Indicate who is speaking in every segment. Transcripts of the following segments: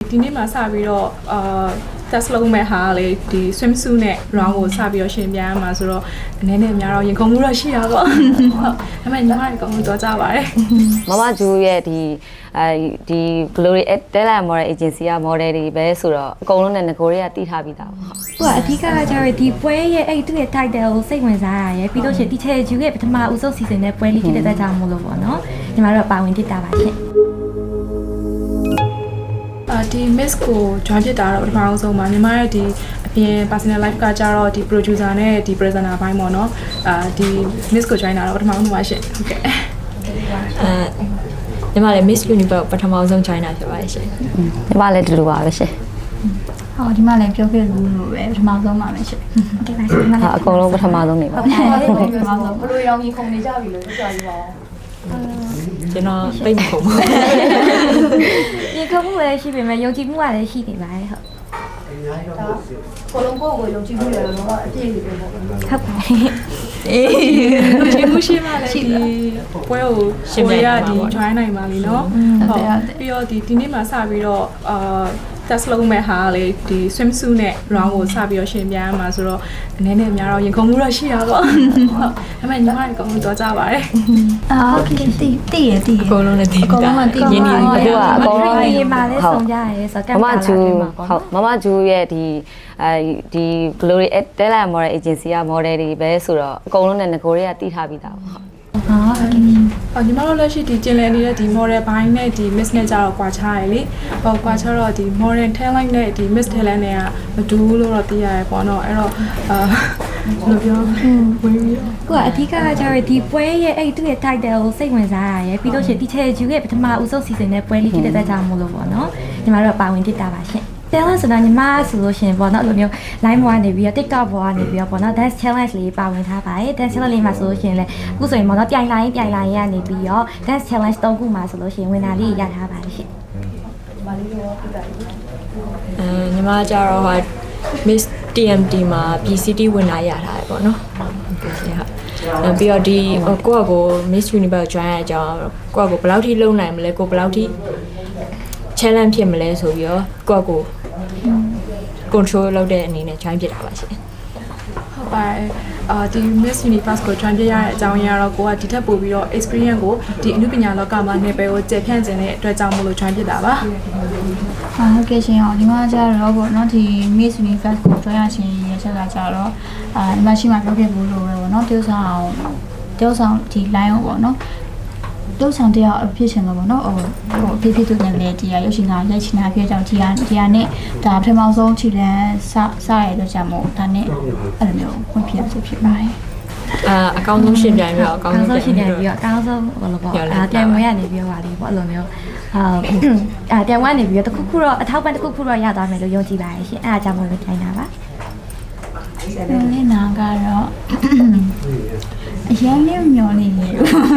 Speaker 1: ဒီနေ့မှာစပြီးတော့test လုပ်မဲ့ဟာလေဒီ swimsuit နဲ့ round ကိုစပြီးတော့ရှင်ပြရမှာဆိုတော့အနေနဲ့အများတော့ရင်ခုန်မှုတော့ရှိတာပေါ့ဟုတ်ဒါပေမဲ့ညီမတွေကောင်တော့ကြပါတယ်
Speaker 2: မမဂျူရဲ့ဒီ Glory Stella Model Agency က model တွေပဲဆိုတော့အကုန်လုံးနဲ့ငကိုတွေကတီးထားပြီးသားပေါ့
Speaker 3: ဟုတ်အဓိကကကျတော့ဒီပွဲရဲ့အဲ့သူ့ရဲ့ title ကိုစိတ်ဝင်စားရရယ်ပြီးတော့ရှင်ဒီချေဂျူရဲ့ပထမဦးဆုံး season နဲ့ပွဲလေးဖြစ်တဲ့ကြောင့်မို့လို့ပေါ့နော်ညီမတို့ပါဝင်ဖြစ်တာပါရှင်
Speaker 1: ဒီ miss ကို join ဖြစ်တာတော့ပထမဆုံးပါညီမရဲ့ဒီအပြင် personal life ကကြတော့ဒီ producer နဲ့ဒီ presenter ဘိုင်းပေါ့နော်ဒီ miss ကို join တာတော့ပထမဆုံးပါရှင်ဟုတ်ကဲ့
Speaker 4: ညီမလည်း Miss Universe ပထမဆုံး join တာဖြစ်ပါတယ်ရှင်
Speaker 2: ညီမလည်းဒီလိုပါပဲရှင်
Speaker 5: ဟောဒီမှာလည်းပြောခဲ့လို့လို့ပဲပထမဆုံးပါပဲရှင်
Speaker 3: ဟုတ်ကဲ့ပါရှင်
Speaker 2: အကုန်လုံးပထမဆုံးနေပါ
Speaker 5: ပထမဆုံးဘယ်လိုရောင်ကြီးခုံနေကြပြီလို့ပြောပြပါဦး
Speaker 4: ကျွန်တော်သိမခုံဘူး
Speaker 3: ဒီကမှုလည်းရှိပေမဲ့ယုံကြည်မှုကလည်းရှိနေပါတယ်ဟုတ်
Speaker 5: ကိုလုံးကိုယုံကြည်မှုရတော့အပြည့်ကြီးပဲပေါ့
Speaker 3: ဟုတ်ပါ
Speaker 1: အေးဒီမှုရှိမှလည်းဒီပွဲကိုရှင်ပြရဒီ join နိုင်ပါလीเนาะဟုတ်ပြီးတော့ဒီနေ့မှာစပြီးတော့test လုပ်မဲ့ဟာလေဒီ swimsuit နဲ့ round ကိုစပြီးတော့ရှင်ပြရမှာဆိုတော့အနေနဲ့အများတော့ရင်ခုန်မှုတော့ရှိတာပေါ့ဟုတ်ဒါပေမဲ့ညီမတွေကောင်တော့ကြပါတယ်
Speaker 5: โอเคတည်ရ
Speaker 4: အကုန်လုံးလည်းတည်
Speaker 5: အကုန်လုံးတည်ရင်းနေ
Speaker 2: ပြီအခုကအကုန်လုံး
Speaker 3: ရေးမှာလည်းဆုံးကြရဲဆိုတော့
Speaker 2: မမဂျူဟုတ်မမဂျူရဲ့ဒီ Glory Stella Model Agency က model တွေပဲဆိုတော့အကုန်လုံးနဲ့ငကိုတွေကတီးထားပြီးသားပေါ့
Speaker 1: ညီမတို့လက်ရှိဒီကျင်လည်နေတဲ့ဒီ model ဘိုင်းနဲ့ဒီ miss နဲ့ကြတော့ကွာခြားရလေကွာခြားတော့ဒီ modern talent နဲ့ဒီ miss talent နဲ့ကမတူဘူးလို့တော့သိရတယ်ပေါ့နော်အဲ့တော့ဘယ်လိုပြောဝင်ပြီး
Speaker 3: တော့အဓိကကကျတော့ဒီပွဲရဲ့အဲ့သူ့ရဲ့ title ကိုစိတ်ဝင်စားရရယ်ပြီးတော့ရှင်ဒီချေဂျူရဲ့ပထမဦးဆုံး season နဲ့ပွဲလေးဖြစ်တဲ့ကြောင့်မို့လို့ပေါ့နော်ညီမတို့ပါဝင်ဖြစ်တာပါရှင်တယ်လားဆိုတော့ညီမဆိုလို့ရှင်ပေါ့နော်အဲ့လိုမျိုး line ပေါ်ကနေပြီးတော့ TikTok ပေါ်ကနေပြီးတော့ပေါ့နော် dance challenge လေးပါဝင်ထားပါတယ် dance challenge လေးမှာဆိုလို့ရှင်လေအခုဆိုရင်ပေါ့နော်ပြိုင်လိုင်းရနေပြီးတော့ dance challenge 3ခုမှာဆိုလို့ရှင်ဝင်တာလေးရထားပါတယ်ရှင်
Speaker 1: ညီမလေးရောပြတာလေ
Speaker 4: ညီမကြတော့ဟာ Miss TMT မှာ PCT ဝင်လာရထားတယ်ပေါ့နော်ဟုတ်ကဲ့ရှင်ဟုတ်ပြီးတော့ဒီကိုယ့်အကို Miss Universe join ရအကြောင်းကိုယ့်အကိုဘယ်လောက်ထိလုံနိုင်မလဲကိုဘယ်လောက်ထိ challenge ဖြစ်မလဲဆိုပြီးတော့ကိုယ့်အကို control လုပ်တဲ့အနေနဲ့ join ဖြစ်တာပါရှင်
Speaker 1: ဟုတ်ပါတယ်ဒီ Miss Universe ကို join ပြရတဲ့အကြောင်းရင်းကတော့ကိုကဒီထက်ပိုပြီးတော့ experience ကိုဒီအမှုပညာလောကမှာနေပယ်ကိုကျေဖြန့်ကျင်တဲ့အတွက်ကြောင့်မို့လို့ join ဖြစ်တာပါ
Speaker 5: ဟုတ်ကဲ့ရှင်ဒီမှာကျတော့ပေါ့နော်ဒီ Miss Universe ကို join ရရှင်ရချက်ကကျတော့ဒီမှာရှိမှပြောခဲ့ဘူးလို့ပဲပေါ့နော်တယောက်ဆောင်ဒီ line ကိုပေါ့နော်တော့ဆောင်တရားအဖြစ်ရှင်တော့ဗောနော်ဟိုဖြစ်သူနဲ့လည်းတရားရုပ်ရှင်ကလက်ချင်တာဖြစ်ကြောင်းဒီဟာနဲ့ဒါပထမဆုံးခြေလမ်းစရတော့ကြမို့ဒါနဲ့အဲ့လိုမျိုးဝင်ဖြစ်ဖြစ်ပါတယ်
Speaker 4: အကောင်းဆုံးရှင်ပြိုင်ပြီးတော့အကောင်းဆုံး
Speaker 3: ရှင်ပြိုင်ပြီးတော့အကောင်းဆုံးဘာလို့ပေါ့ပြိုင်ပွဲရနေပြီးတော့ပါလေပေါ့အဲ့လိုမျိုးပြိုင်ပွဲနေပြီးတော့တခုခုတော့အထောက်ပံ့တခုခုတော့ရသွားမယ်လို့ယုံကြည်ပါတယ်ရှင်အဲ့ဒါကြောင့်မို့လို့ထိုင်တာပါ
Speaker 5: လေးနာကတော့အရင်လေးမျောနေတယ်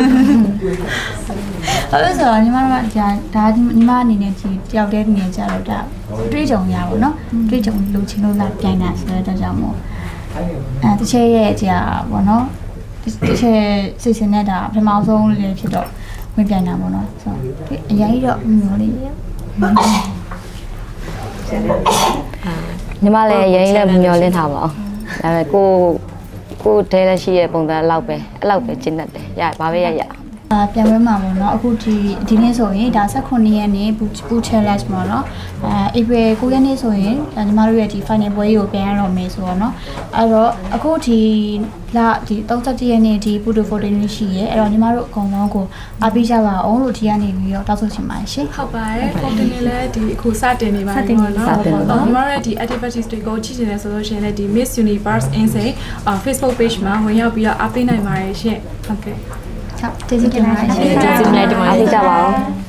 Speaker 5: အဲ့ဆိုတော့ညီမတို့ကဒါညီမအနေနဲ့ဒီတယောက်တည်းနေကြတော့ဒါတွေးကြုံရပါတော့တွေးကြုံလို့ချင်းလို့လာပြိုင်တာဆိုတော့ကြောင့်မို့တစ်ချက်ရဲ့ကြာပေါ့နော်တစ်ချက်စိတ်ဆင်းနေတာပထမဆုံးလေးဖြစ်တော့ဝင်ပြိုင်တာပေါ့နော်ဆိုတော့အရင်တော့မျောနေတယ်
Speaker 2: ညီမလည်းရင်းလည်းမျောလင်းထားပါအောင်ဒါပေမဲ့ကိုတဲလက်ရှိရဲ့ပုံစံအဲ့လောက်ပဲကျင့်တတ်တယ်ရပါပဲရ
Speaker 5: ပြန်ပွဲမှာပေါ့နော်အခုဒီနေ့ဆိုရင်ဒါ18ရက်နေ့ဘူ challenge ပေါ့နော်April 9ရက်နေ့ဆိုရင်ညီမတို့ရဲ့ဒီ final ပွဲကိုပြန်ရတော့မယ်ဆိုတော့เนาะအဲ့တော့အခုဒီ31ရက်နေ့ဒီဘူတူဖိုတင်ရှိရဲအဲ့တော့ညီမတို့အကုန်လုံးကိုအားပေးကြပါအောင်လို့ဒီကနေပြီးတော့တောက်ဆိုချင်ပါတယ်ရှင်
Speaker 1: ဟုတ်ပါတယ်ဖိုတင်နေလဲဒီအခုစတင်နေပါပြီပေါ့နော်ညီမတို့ရဲ့ဒီ activities တွေကိုကြည့်နေတယ်ဆိုလို့ရှိရင်လည်းဒီ Miss Universe Insane Facebook page မှာဝင်ရောက်ပြီးတော့အားပေးနိုင်ပါတယ်ရှင်ဟုတ်ကဲ့
Speaker 5: ကျေးဇူးတင်ပါတယ်
Speaker 4: ကျေးဇူးတင်ပါတယ်
Speaker 2: အားပေးကြပါဦး